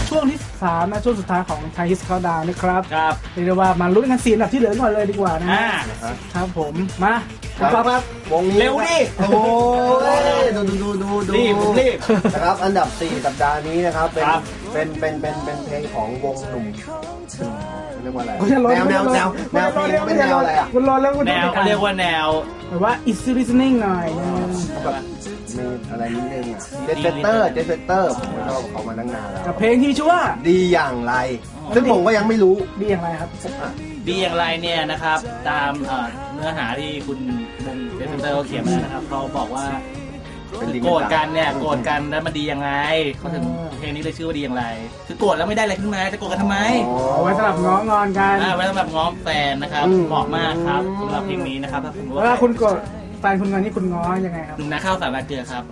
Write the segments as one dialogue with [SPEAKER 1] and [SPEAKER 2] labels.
[SPEAKER 1] ช่วงที่3นะช่วงสุดท้ายของไทยฮิสเขาดาวนะครับ
[SPEAKER 2] ครับ
[SPEAKER 1] เรียกได้ว่ามาลุ้นกัน4อันดับที่เหลือก่อนเลยดีกว่านะครับผมมา
[SPEAKER 3] ครับวงนี้
[SPEAKER 2] เร็วดิ
[SPEAKER 3] โอ้ยดู
[SPEAKER 2] รีบ
[SPEAKER 3] นะครับอันดับ4สัปดาห์นี้นะครับเป็นเพลงของวงหนุ่มเรียกว่าอะไรแนวเป็นแนวอะไรอ่ะ
[SPEAKER 1] คุณรอแล้วคุณ
[SPEAKER 2] แนวเขาเรียกว่าแนว
[SPEAKER 1] แบบว่า easy listening หน่อย
[SPEAKER 3] แบบมีอะไรนิดนึงอ่ะเจสเตอร์ผมชอบเขามาตั้งนานแล้ว
[SPEAKER 1] กับเพลงที่ชื่อว่า
[SPEAKER 3] ดีอย่างไรซึ่งผมก็ยังไม่รู้
[SPEAKER 1] ดีอย่างไรครับ
[SPEAKER 2] ดีอย่างไรเนี่ยนะครับตามเนื้อหาที่คุณวงเจสเตอร์เขาเขียนมานะครับเขาบอกว่าโกรธกันเนี่ยโกรธกันแล้วมันดียังไงเขาถึงเพลงนี้เลยชื่อว่าดีอย่างไรคือโกรธแล้วไม่ได้อะไรขึ้นมาจะโกรธกันทำไม
[SPEAKER 1] เอาไว้สำหรับง้องอนกัน
[SPEAKER 2] ไว้สำหรับง้อแฟนนะครับเหมาะมากครับสำหรับเพลงนี้นะครับถ้าคุณ
[SPEAKER 1] ว่าคุณโกรธแฟนคุณงอนนี่คุณง้อยังไงครับ
[SPEAKER 2] หนุ่มนาข้าวสารเกลือครับ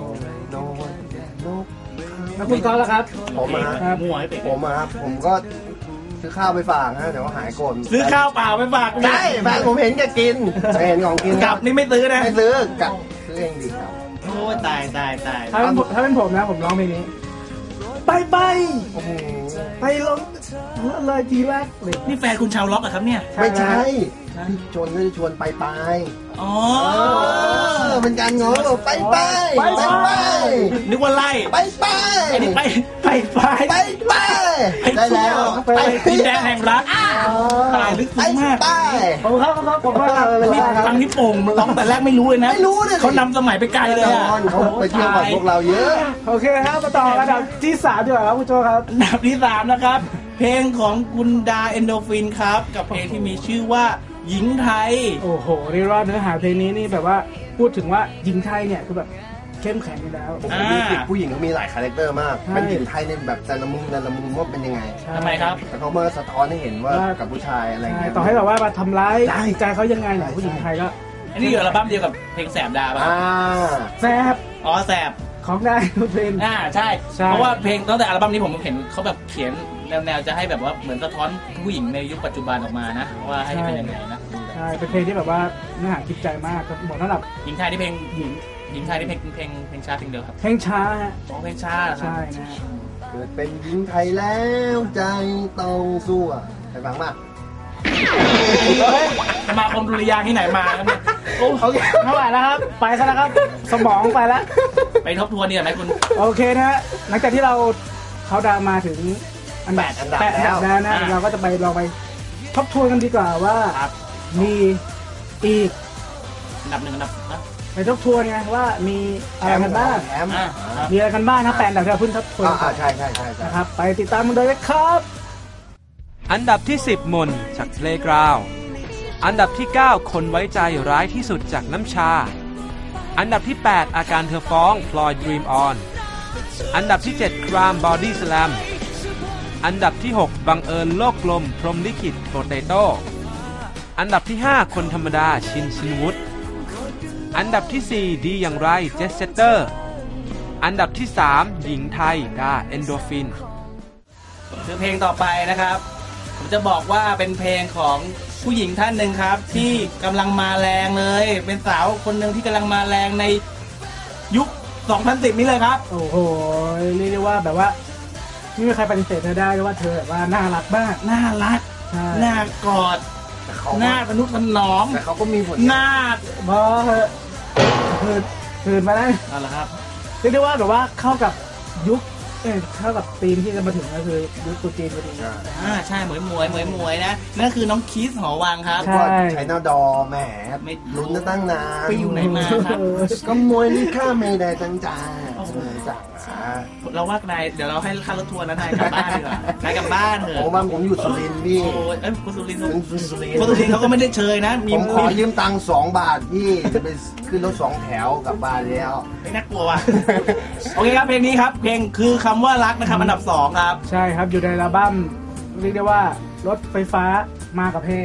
[SPEAKER 1] แล้วคุณก้อนล่ะครับ
[SPEAKER 3] ผมก็ซื้อข้าวไปฝากนะแต่ว่าหายโกรธ
[SPEAKER 2] ซื้อข้าวเปล่าไปฝาก
[SPEAKER 3] ใช่แฟนผมเห็นแกกินเห็นของกิน
[SPEAKER 2] กลับนี่ไม่ซื้อนะ
[SPEAKER 3] ไม่ซื้อกลับซื้อเองดีครับ
[SPEAKER 2] โอ้ตาย
[SPEAKER 1] ถ้าเป็นผมนะผมร้องเพลงนี้ไปลงเลยทีแรกเลย
[SPEAKER 2] นี่แฟนคุณชาวล็อกอะครับเนี่ย
[SPEAKER 3] ไม่ใช่พี่ชวนก็จะชวนไป
[SPEAKER 2] อ๋อ
[SPEAKER 3] เป็นการง้อไป
[SPEAKER 2] นึกว่าไล่ไอ้นี่ไป
[SPEAKER 3] ได้แล้ว
[SPEAKER 2] ไปดินแดนแห่งรักตายลึกซึ้งมาก
[SPEAKER 1] ผม
[SPEAKER 2] ฟังที่โป่งร้องแต่แรกไม่รู้เลยนะเขานำสมัยไปไกลเลยอ่ะ
[SPEAKER 3] เขาไปเที่ยวกับพวกเราเยอะ
[SPEAKER 1] โอเคครับมาต่ออันดับที่3ดีกว่าครับคุณโจครับ
[SPEAKER 2] อันดับที่3นะครับเพลงของคุณดาเอนโดฟินครับกับเพลงที่มีชื่อว่าหญิงไทย
[SPEAKER 1] โอ้โหเรียกว่าเนื้อหาเพลงนี้นี่แบบว่าพูดถึงว่าหญิงไทยเนี่ยคือแบบเข้มแข็งอยู่แล้ว
[SPEAKER 3] ผู้หญิงเขามีหลายคาแรคเตอร์มากเป็นหญิงไทยในแบบแต่ละมุมว่าเป็นยังไง
[SPEAKER 2] ทำไมครับ
[SPEAKER 3] แต่เขาเมื่อสะท้อนให้เห็นว่ากับผู้ชายอะไรเงี้ย
[SPEAKER 1] ต่อให้แบบว่ามาทำร้ายใจเขายังไงเนี่ยผู้หญิงไทยก็
[SPEAKER 2] อันนี้อยู่อัลบั้มเดียวกับเพลงแสบดาป่ะ
[SPEAKER 1] แสบ
[SPEAKER 2] แสบ
[SPEAKER 1] ของได้เพลง
[SPEAKER 2] ใช่เพราะว่าเพลงตั้งแต่อัลบั้มนี้ผมเห็นเขาแบบเขียนแนวจะให้แบบว่าเหมือนสะท้อนผู้หญิงในยุคปัจจุบันออกมานะว่าให้เป็นยังไงนะ
[SPEAKER 1] ใช่เป็นเพลงที่แบบว่าเนื้อหาคิดใจมากเหมาะสำหรับ
[SPEAKER 2] หญิงไทยที่เพลงหญิงไทยที่เพลงช้าเพลงเดียวครับ
[SPEAKER 1] เพลงช้า
[SPEAKER 2] เพลงช้า
[SPEAKER 1] ใช่นะ
[SPEAKER 3] เกิดเป็นหญิงไทยแล้วใจต้องสู้ไปฟังมาก
[SPEAKER 2] สมาคมดุริยางค์ที่ไหนมาครับเนี่ย
[SPEAKER 1] โอเคเท่าไหร่แล้วครับไปซะแล้วครับสมองไปแล้ว
[SPEAKER 2] ไปทบทวนเนี่ยไหมคุณ
[SPEAKER 1] โอเคนะหลังจากที่เราเขาดาวมาถึงอันดับ8แล้วนะเราก็จะไปลองไปทบทวนกันดีกว่าว่ามีอีก
[SPEAKER 2] อันดับ1อันดับ
[SPEAKER 1] ไปทบทวนไงว่ามีอะไรกันบ้างมีอะไรกันบ้างนะ8อันดับที่เราเพิ่งทบทวน
[SPEAKER 3] ใช่
[SPEAKER 1] นะครับไปติดตามกันเลยครับ
[SPEAKER 4] อันดับที่10มนจากเพลย์กราวด์อันดับที่9คนไว้ใจร้ายที่สุดจากน้ำชาอันดับที่8อาการเธอฟ้องพลอยดรีมออนอันดับที่7ครามบอดี้สแลมอันดับที่6บังเอิญโลกกลมพรหมลิขิตโปเตโต้อันดับที่5คนธรรมดาชินวุฒอันดับที่4ดีอย่างไรเจสเตอร์อันดับที่3หญิงไทยดาเอนโดฟิน
[SPEAKER 2] คือเพลงต่อไปนะครับผมจะบอกว่าเป็นเพลงของผู้หญิงท่านหนึ่งครับที่กำลังมาแรงเลยเป็นสาวคนหนึ่งที่กำลังมาแรงในยุค2010นี้เลยครับ
[SPEAKER 1] โอ้โหเรียกได้ว่าแบบว่าไม่มีใครปฏิเสธเธอได้ว่าเธอแบบว่าน่ารักมาก
[SPEAKER 2] น่ารักน่ากอดน่าทนุถนอม
[SPEAKER 3] แต่เขาก็มีผล
[SPEAKER 2] น่า
[SPEAKER 1] บอคืนมาได้
[SPEAKER 2] อะไรครับ
[SPEAKER 1] เรียกได้ว่าแบบว่าเข้ากับยุคเข้ากับธีมที่จะมาถึงก็คือยุคตุจีนพอดี
[SPEAKER 2] ใช่หมวยนะนั่นคือน้องคิสหอวังครับ
[SPEAKER 3] ใช้หน้าดอแหมลุ้นตั้งนาน
[SPEAKER 2] ไปอยู่ไหนมาครับ
[SPEAKER 3] ก็มวยนี่ข้าไม่ได้ตั้งใจ
[SPEAKER 2] เราว่านายเดี๋ยวเราให้ค่ารถทัวร์นะนายกลับบ้านดีกว่านายกลับบ้านเถอะ
[SPEAKER 3] โอ้บ้านผมอยู่สุรินทร์พี่
[SPEAKER 2] คุณสุรินทร์เขาก็ไม่ได้เชยนะ
[SPEAKER 3] ผมขอยืมตังค์2 บาทพี่จะไปขึ้นรถ2 แถวกลับบ้านแล้ว
[SPEAKER 2] ไม่น่ากลัวว่ะโอเคครับเพลงนี้ครับเพลงคือคำว่ารักนะครับอันดับ2ครับ
[SPEAKER 1] ใช่ครับอยู่ในอัลบั้มเรียกได้ว่ารถไฟฟ้ามากับเพลง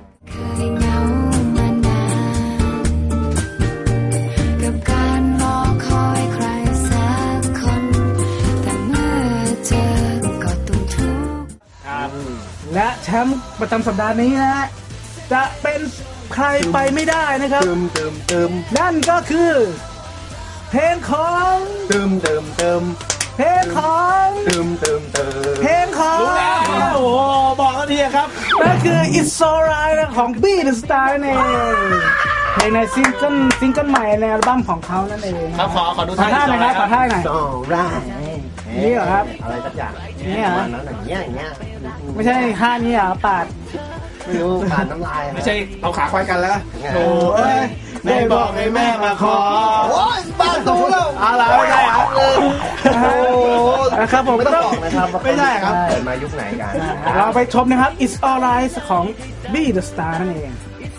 [SPEAKER 1] และแชมป์ประจำสัปดาห์นี้นะจะเป็นใครไปไม่ได้นะครับ
[SPEAKER 3] เติม
[SPEAKER 1] นั่นก็คือเพลงของ
[SPEAKER 3] เติม
[SPEAKER 1] เพลงของ เพลงของ
[SPEAKER 2] รู้แล้วโอ้โหบอกแล้วทีครับ
[SPEAKER 1] นั่นคือ It's Alright ของ Beat the Star นั่นเองเพลงในซิงเกิลใหม่ในอัลบั้มของเขานั่นเอง
[SPEAKER 2] ครับขอดู
[SPEAKER 1] ขอท่าหน่อยครับขอท่าหน่อย
[SPEAKER 3] Alright
[SPEAKER 1] นี่เหรอครับ
[SPEAKER 3] อะไรสักอย่าง
[SPEAKER 1] นี่เหรอ
[SPEAKER 3] ประมาณนั้นอย่างเงี้ย
[SPEAKER 1] ไม่ใช่ท่านี้เหรอปาด
[SPEAKER 3] ไม่รู้ผ่านน้ำลาย
[SPEAKER 2] ไม่ใช่เอาขาควายกันแล้ว
[SPEAKER 3] โอ้
[SPEAKER 2] โอ้ยแม่บอกให้แม่มาขอ
[SPEAKER 3] โอ้ยบ้านตูแล้ว
[SPEAKER 2] อะไรไม่ใช่ครับ
[SPEAKER 3] โอ้โห
[SPEAKER 1] นะครับผม
[SPEAKER 3] ไม่ต้องบอกนะครับว่า
[SPEAKER 2] ไม่ใช่ครับ
[SPEAKER 3] เกิดมายุคไหนกัน
[SPEAKER 1] เราไปชมนะครับ It's Alright ของ Beat the Star นั่นเอง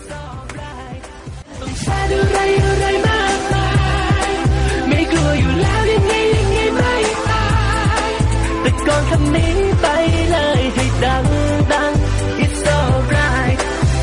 [SPEAKER 5] อะไรมากมายไม่กลัวอยู่แล้วยังไงไม่ตายแต่ก่อนคำนี้ไปเลยให้ดัง It's alright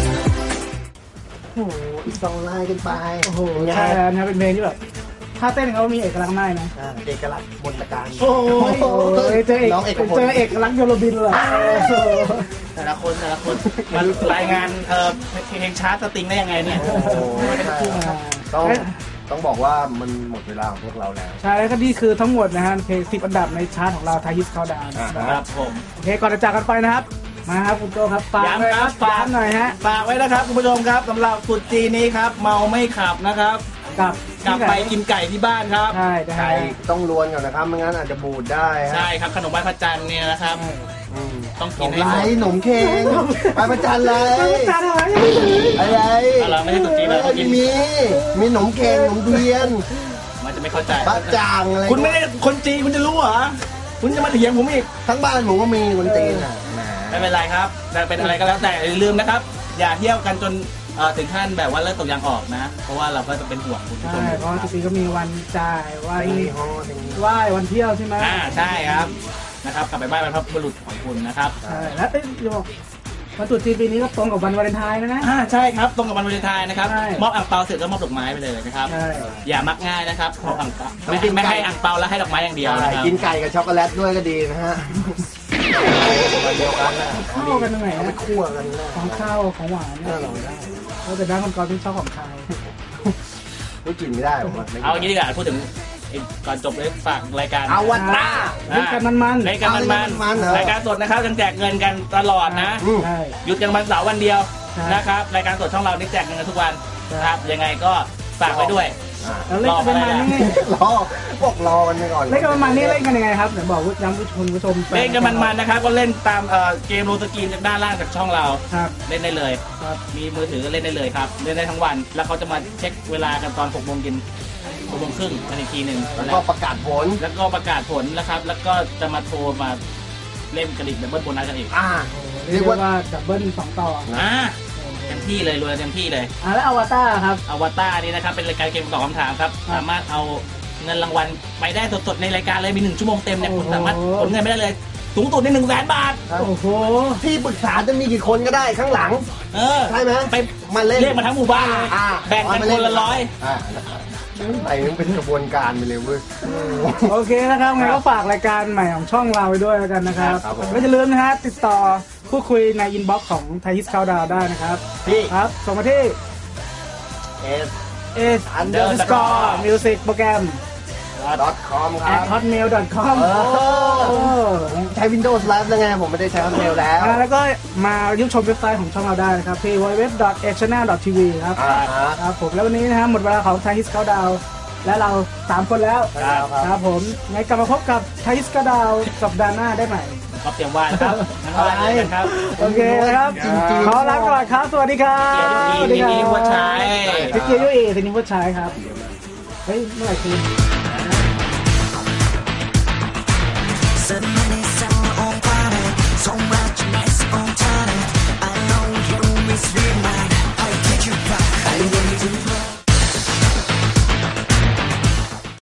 [SPEAKER 3] โอ้โหต้องไล่กันไป
[SPEAKER 1] โอ้โหใช่แล้วนะครับเป็นเพลงที่แบบท่าเต้นเขามีเอกลักษณ์มากนะ
[SPEAKER 3] เอกลักษณ์มนตการ
[SPEAKER 1] โอ้ยเจอเอก
[SPEAKER 3] น้องเอกพล
[SPEAKER 1] เจอเอกลักษณ์โยโรบินเลย
[SPEAKER 2] แต่ละคนมันรายงานเพลงชาร์ตสตริงได้ยังไงเนี่ย
[SPEAKER 3] โอ้โหใช่ต้องบอกว่ามันหมดเวลาของพวกเราแล้ว
[SPEAKER 1] ใช่แล้วก็นี่คือทั้งหมดนะฮะเพลง10 อันดับในชาร์ตของเราไทยฮิตเขาดาวน์
[SPEAKER 2] ครับผม
[SPEAKER 1] โอเคก่อนจะจากกันไปนะครับ มาครับคุณโจครับฝาก
[SPEAKER 2] ย้ำครับ
[SPEAKER 1] ฝากหน่อยฮะ
[SPEAKER 2] ฝากไว้นะครับคุณผู้ชมครับสำหรับตรุษจีนนี้ครับเมาไม่ขับนะครับ กลับไปกินไก่ที่บ้านครับ
[SPEAKER 1] ใช่นะฮะ
[SPEAKER 3] ไก่ต้องลวนก่อนนะครับไม่งั้นอาจจะบูดได้ฮะ
[SPEAKER 2] ใช่ครับขนมไหว้พระจันทร์เนี่ยนะครับ
[SPEAKER 3] อืม
[SPEAKER 2] ต้อง
[SPEAKER 3] หน
[SPEAKER 2] กิน
[SPEAKER 3] ม
[SPEAKER 2] ให้
[SPEAKER 3] ไร
[SPEAKER 2] หมด
[SPEAKER 3] หนมเค้งไปประจันเลย
[SPEAKER 1] จานอะไรยังไม่ถึง
[SPEAKER 3] อะไร
[SPEAKER 2] เราไม่ใช่ตรุษจีนเราต้องกิน
[SPEAKER 3] มีหนมเค้งหนมเทียน
[SPEAKER 2] มันจะไม่เข้าใจ
[SPEAKER 3] บะจ่างอะไร
[SPEAKER 2] คุณไม่ได้คนจีนคุณจะรู้เหรอคุณจะมาเถียงผมอีก
[SPEAKER 3] ทั้งบ้านผมก็มีคนจีนอ่ะแหม
[SPEAKER 2] ไม่เป็นไรครับแต่เป็นอะไรก็แล้วแต่อย่าลืมนะครับ อย่าเที่ยวกันจนถึงขั้นแบบว่าเลิกตกยางออกนะ เพราะว่าเราก็จะเป็นห่วงคุณผู้ช
[SPEAKER 1] ใช่
[SPEAKER 2] ม
[SPEAKER 1] เพราะจริงๆก็มีวันจ่ายวัน
[SPEAKER 3] ตีฮอตี
[SPEAKER 1] ไหว้วันเที่ยวใช่ไหม
[SPEAKER 2] ใช่ครับนะครับกลับไปบ้านบรรพบุรุษของคุณนะครับ
[SPEAKER 1] ใช่แล้วจะบอกวันตรุษจีนปีนี้ก็ตรงกับวันวาเลนไทน์นะ
[SPEAKER 2] ใช่ครับตรงกับวันวาเลนไทน์นะครับ
[SPEAKER 1] ใช่
[SPEAKER 2] มอบอ่างเปาเสร็จก็มอบดอกไม้ไปเลยนะครับ
[SPEAKER 1] ใช่
[SPEAKER 2] อย่ามักง่ายนะครับมอบอ่างเปาไม่ให้อ่างเปาแล้วให้ดอกไม้อย่างเดียวนะครับ
[SPEAKER 3] กินไก่กับช็อกโกแลตด้วยก็ดีนะฮะวันเดียวกันนะ
[SPEAKER 1] เข้ากันตรงไหน
[SPEAKER 3] เอาไป
[SPEAKER 1] นะ
[SPEAKER 3] คั่วกันนะ
[SPEAKER 1] ของข้าวของหวาน
[SPEAKER 3] น่า
[SPEAKER 1] เนี่ย
[SPEAKER 3] ลองได้
[SPEAKER 1] เราแต่ด้านคนกรที่ชอบของข้าว
[SPEAKER 3] ไม่กินไม่ได้ผมว่าไม่กิน
[SPEAKER 2] เอาอย่างนี้ดีกว่าพูดถึงก่อนจบเลยฝากรายการ
[SPEAKER 3] อวตาร
[SPEAKER 1] เล่นกันมัน
[SPEAKER 2] รายการมันๆรายการสดนะครับยังแจกเงินกันตลอดนะ
[SPEAKER 3] อืม
[SPEAKER 1] ๆใช่
[SPEAKER 2] หยุดกันวันเสาร์วันเดียว
[SPEAKER 1] ใช่
[SPEAKER 2] นะครับรายการสดช่องเรานี่แจกเงินกันทุกวัน
[SPEAKER 1] ใช่
[SPEAKER 2] ครับยังไงก็ฝากไว้ด้วย
[SPEAKER 1] แล้วเล่นกันมันนี่
[SPEAKER 3] รอบอกรอกันไปก่อน
[SPEAKER 1] เล่นกันมันนี่เล่นกันยังไงครับเดี๋ยวบอกย้ำผู้ชม
[SPEAKER 2] เล่นกันมันๆนะครับก็เล่นตามเกมโรสกรีนจากด้านล่างจากช่องเรา
[SPEAKER 1] ครับ
[SPEAKER 2] เล่นได้เลย
[SPEAKER 1] ครับ
[SPEAKER 2] มีมือถือก็เล่นได้เลยครับเล่นได้ทั้งวัน แล้วเขาจะมาเช็คเวลากันตอน6 โมงเย็น6 โมงครึ่งกันอีกทีหนึ่ง
[SPEAKER 3] แล้วก็ประกาศผล
[SPEAKER 2] แล้วก็ประกาศผลนะครับ แล้วก็จะมาโทรมาเล่นกระดิ่งดับเบิลโบนัสกันอีก
[SPEAKER 1] เรียกว่าดับเบิล2 ต่อ
[SPEAKER 2] เต็มที่เลยรวยเต็มที่เลย
[SPEAKER 1] แล้วอวตารครับ
[SPEAKER 2] อวตารนี่นะครับเป็นรายการเกมตอบคำถามครับ
[SPEAKER 1] ครับ
[SPEAKER 2] สามารถเอาเงินรางวัลไปได้สดๆในรายการเลยมี1 ชั่วโมงเต็มเนี่ย
[SPEAKER 1] โอ้โห
[SPEAKER 2] คุณสามารถผลเงินไม่ได้เลยสูงสุดใน100,000 บาท
[SPEAKER 1] โอ้โห
[SPEAKER 3] ที่ปรึกษาจะมีกี่คนก็ได้ข้างหลัง ใช่ไหม
[SPEAKER 2] ไป
[SPEAKER 3] มาเล่น
[SPEAKER 2] เรียกมาทั้งหมู่บ้านเลย แบ่งกันคนละ100
[SPEAKER 3] ไปมันเป็นกระบวนการไปเลยเว้ย
[SPEAKER 1] โอเคนะครับงั้นก็ฝากรายการใหม่ของช่องเราไปด้วยแล้วกันนะครับ
[SPEAKER 3] ครับผม
[SPEAKER 1] ไม่จะลืมนะฮะติดต่อพูดคุยในอินบ็อกซ์ของไทยฮิสคาวดาวได้นะครับ
[SPEAKER 3] ที่
[SPEAKER 1] ครับส่งมาที่
[SPEAKER 3] s
[SPEAKER 1] s_underscore music โปรแกรม
[SPEAKER 3] .com ครับ
[SPEAKER 1] @hotmail.com
[SPEAKER 3] ผมใช้ Windows Live แล้วไงผมไม่ได้ใช้ Hotmail แล้ว
[SPEAKER 1] แล้วก็มาเยี่ยมชมเว็บไซต์ของช่องเราได้นะครับที่ www.channel.tv ครับ ครับผมแล้ววันนี้นะฮะหมดเวลาของไทยฮิสคาวดาวและเรา3 คนแล้ว
[SPEAKER 3] ครับ
[SPEAKER 1] ครับผมไงกลับมาพบกับไทยฮิสคาวดาวสัปดาห์หน้าได้ใหม่
[SPEAKER 2] ก็เตรียมว่านะครับนะครับเจอกันครับ
[SPEAKER 1] โอเคนะครับ
[SPEAKER 3] จริงๆ
[SPEAKER 1] ขอลาก่อนครับ สวัสดีครับ
[SPEAKER 2] เกียรตินิวัชชัย
[SPEAKER 1] พี่เกียร์ยุเอสินิวัชชัยครับ เฮ้ย เมื่อไหร่คืน
[SPEAKER 5] Suddenly, some on planet,